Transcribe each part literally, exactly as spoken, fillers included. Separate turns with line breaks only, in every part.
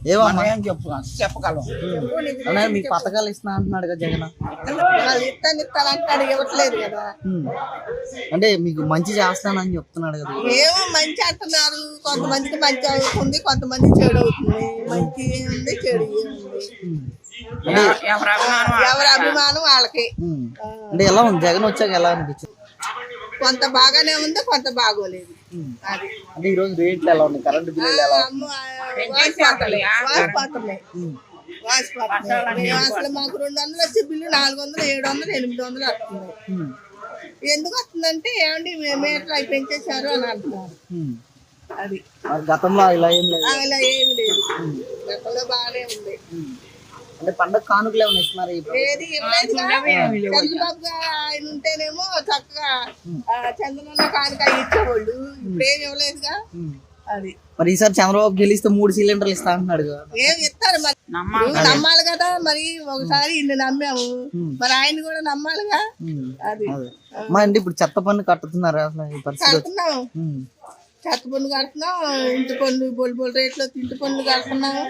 ఏమమ్మా
ఏం చెప్పు చెప్పగలం.
అన్నయ్య మీకు పథకాలు ఇస్తున్నా అంటున్నాడు కదా జగన్.
ఇస్తాను ఇస్తాను అంటాడు, ఇవ్వట్లేదు కదా.
అంటే మీకు మంచి చేస్తానని చెప్తున్నాడు కదా.
ఏమో మంచి అంటున్నారు, కొంతమందికి మంచి అవుతుంది, కొంతమంది చెడు అవుతుంది. మంచి ఉంది, చెడు ఉంది. ఎవరి అభిమానం వాళ్ళకి.
అంటే ఎలా ఉంది జగన్ వచ్చాక ఎలా అనిపించింది?
కొంత బాగానే ఉంది, కొంత బాగోలేదు. అది
అంటే ఈ రోజు రేట్లు ఎలా ఉన్నాయి, కరెంట్ బిల్లులు ఎలా
వాసిపోతున్నాయి వాసిపోతున్నాయి. అసలు మాకు రెండు వందలు వచ్చే బిల్లు నాలుగు వందలు ఏడు వందలు ఎనిమిది వందలు వస్తున్నాయి. ఎందుకు వస్తుందంటే ఏమండి మీటర్ అవి పెంచేశారు అని అంటున్నారు. అది
గతంలో ఇలా ఏం లేదు,
అలా ఏమి లేదు, గతంలో బాగానే ఉంది.
అంటే పండగ కానుకలు ఏమైనా ఇస్తున్నారు?
ఏది ఇవ్వలేదుగా. చంద్రబాబు గారు ఆయన ఉంటేనేమో చక్కగా చంద్రబాబు కానుక ఇచ్చేవాళ్ళు, ఇప్పుడు ఏమి ఇవ్వలేదుగా. అది
మరి ఈసారి చంద్రబాబు గెలిస్తే మూడు సిలిండర్లు ఇస్తా అంటున్నాడు కదా.
ఏం ఇస్తారు మరి, నమ్మాలి కదా. మరి ఒకసారి ఇన్ని నమ్మాము, మరి ఆయన కూడా నమ్మాలిగా. అది
మా అండి ఇప్పుడు చెత్త పన్ను కట్టుతున్నారా అసలు ఈ పరిస్థితి?
కడుతున్నాం, చెత్త పన్ను కడుతున్నాం, ఇంటి పన్ను బొల్లి బొల్లి రేట్లో ఇంటి పన్ను కడుతున్నాము.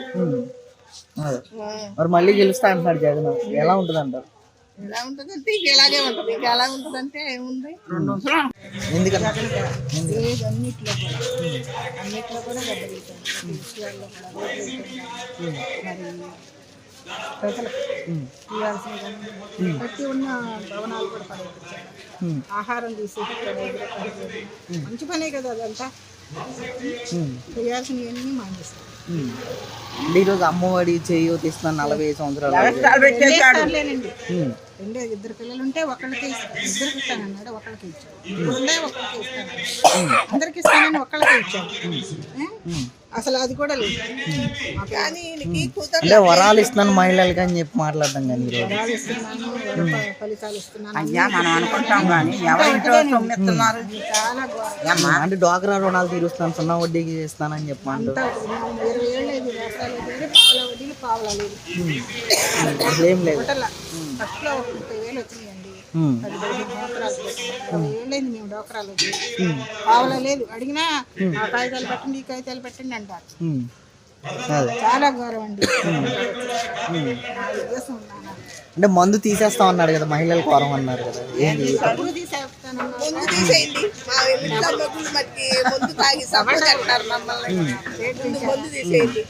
మరి మళ్ళీ గెలుస్తా అంటున్నాడు జగన్, ఎలా ఉంటుంది అంటారు?
ఎలా ఉంటుంది అంటే ఇంక ఎలాగే ఉంటుంది. ఇంకా ఎలా ఉంటుంది అంటే ఏముంది,
ఎందుకంటే
అన్నిట్లో కూడా అన్నిట్లో కూడా దెబ్బతింటుంది. విషయాల్లో కూడా మరి ప్రజలకు ఇవ్వాల్సిన ప్రతి ఉన్న భవనాలు కూడా పడేపించారు. ఆహారం తీసేసి మంచి పనే కదా అదంతా. చేయాల్సినవన్నీ మానేస్తారు.
ఈరోజు అమ్మఒడి చేయూత ఇస్తున్నాను నలభై ఐదు సంవత్సరాలు.
రెండే ఇద్దరు పిల్లలు ఉంటే ఒకళ్ళకి ఇద్దరికి ఇస్తానన్నాడు, ఒకళ్ళకి ఇచ్చాడు. ఉండే ఒకళ్ళకి ఇస్తాను, అందరికి ఇస్తానని ఒకళ్ళకి ఇచ్చాడు. అసలు అది కూడా లేదు.
అంటే వరాలు ఇస్తున్నాను మహిళలకి అని చెప్పి మాట్లాడతాం కానీ
వరాలు ఇస్తున్నాను, ఫలితాలు ఇస్తున్నాను
అయ్యా మనం అనుకుంటాం కానీ ఎవరింట్లో సొమ్మిస్తున్నారు.
చాలా
అంటే డ్వాక్రా రుణాలు తీరుస్తాను, సున్నా వడ్డీకి ఇస్తానని చెప్పి అంటారు.
ఇరవై ఏళ్ళు లేదు, వ్యవసాయాలు లేదు, పావుల వడ్డీలు పావులా లేదు,
అసలు ఏం లేదు.
ఫస్ట్లో ఒక ముప్పై వేలు వచ్చినాయండి, పది పదిహేను సంవత్సరాలు ఇరవై ఏళ్ళైంది మేము డోకరాలు వచ్చి. పావులా లేదు. అడిగినా ఆ కాగితాలు పెట్టండి, ఈ కాగితాలు పెట్టండి అంటారు. చాలా గౌరవం అండి. ఉద్దేశం ఉన్నాను.
అంటే మందు తీసేస్తా అన్నాడు కదా, మహిళలు కోరం అన్నారు కదా, ఏంటి?
ముందు తీసేస్తాను, ముందు తీసేయండి. మా ఇంట్లో మగ్గులు మట్టి ముందు తాగి సపోర్ట్ అంటారు మమ్మల్ని. ముందు తీసేయండి.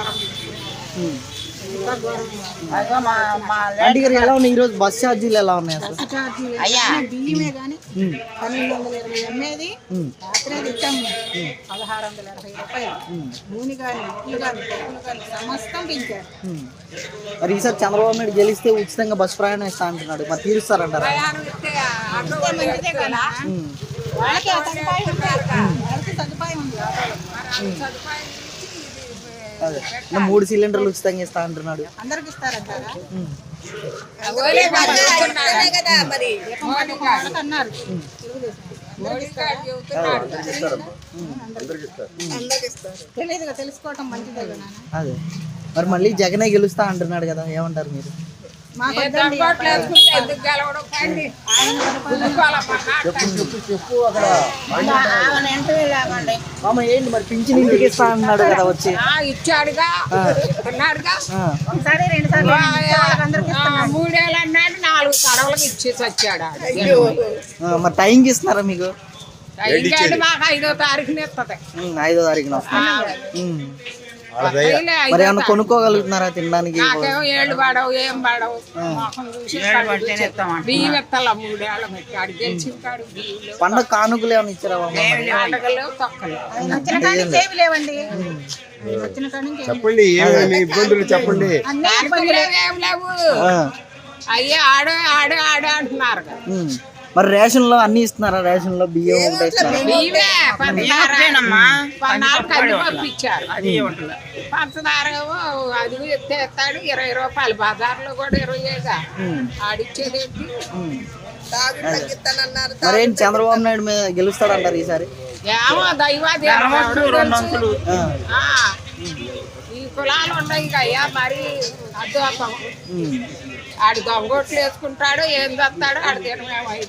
అంటే ఎలా ఉన్నాయి ఈరోజు బస్ ఛార్జీలు ఎలా ఉన్నాయి అసలు?
బియ్యమే కానీ పన్నెండు వందల ఇరవై అమ్మేది రాత్రే ఇచ్చాము పదహారు వందల ఇరవై రూపాయలు. నూనె కానీ ఉప్పులు కానీ పప్పులు కానీ సమస్తం పెంచారు.
మరి ఈసారి చంద్రబాబు నాయుడు గెలిస్తే ఉచితంగా బస్ ప్రయాణం ఇస్తా అంటున్నాడు, మరి తీరుస్తారంటారా?
మంచిదే కదా, వాళ్ళకి ఆ సదుపాయం ఉంది, వాళ్ళకి సదుపాయం ఉంది.
అదే మూడు సిలిండర్లు ఉచితంగా ఇస్తా అంటున్నాడు.
అందరికి ఇస్తారంటారా? అన్నారు తెలియదుగా, తెలుసుకోవటం మంచిదే కదా.
అదే మరి మళ్ళీ జగనే గెలుస్తా అంటున్నాడు కదా, ఏమంటారు మీరు? ఏంటి మరి పింఛన్ ఇంటికి ఇస్తా అన్నాడు కదా, వచ్చి
ఇచ్చాడుగా, ఒకసారి రెండు సార్లు మూడేళ్ళు అన్నాడు, నాలుగు తడవలకు ఇచ్చేసి వచ్చాడు.
మరి టైంకి ఇస్తున్నారా మీకు?
మాకు ఐదో తారీఖున ఇస్తుంది.
ఐదో తారీఖున మరి ఏమన్నా కొనుక్కోగలుగుతున్నారా తినడానికి?
ఏళ్ళు పడవు, ఏం పడవు. బియ్యం ఎత్తాల మూడేళ్ళ గెలిచి
పండుగ కానుకలు ఏమైనా ఇచ్చారా?
లేవండి,
చెప్పండి ఇబ్బందులు చెప్పండి.
ఏం లేవు, అయ్యే ఆడో ఆడో ఆడో అంటున్నారు.
మరి రేషన్ లో అన్ని ఇస్తున్నారా? రేషన్ లో బియ్యం
పంపించారు, పంచదార అది ఎత్తేస్తాడు ఇరవై రూపాయలు, బజార్లో కూడా ఇరవై ఏగా ఆడిచ్చేది.
మరేం చంద్రబాబు నాయుడు మీద గెలుస్తాడంటారు ఈసారి?
ఏమో దైవాది ఈ కులాలు ఉన్నాయి అయ్యా, మరి అద్భుతం. ఆడు దొంగోట్లు వేసుకుంటాడు, ఏం చేస్తాడో ఆడు తినమేమో.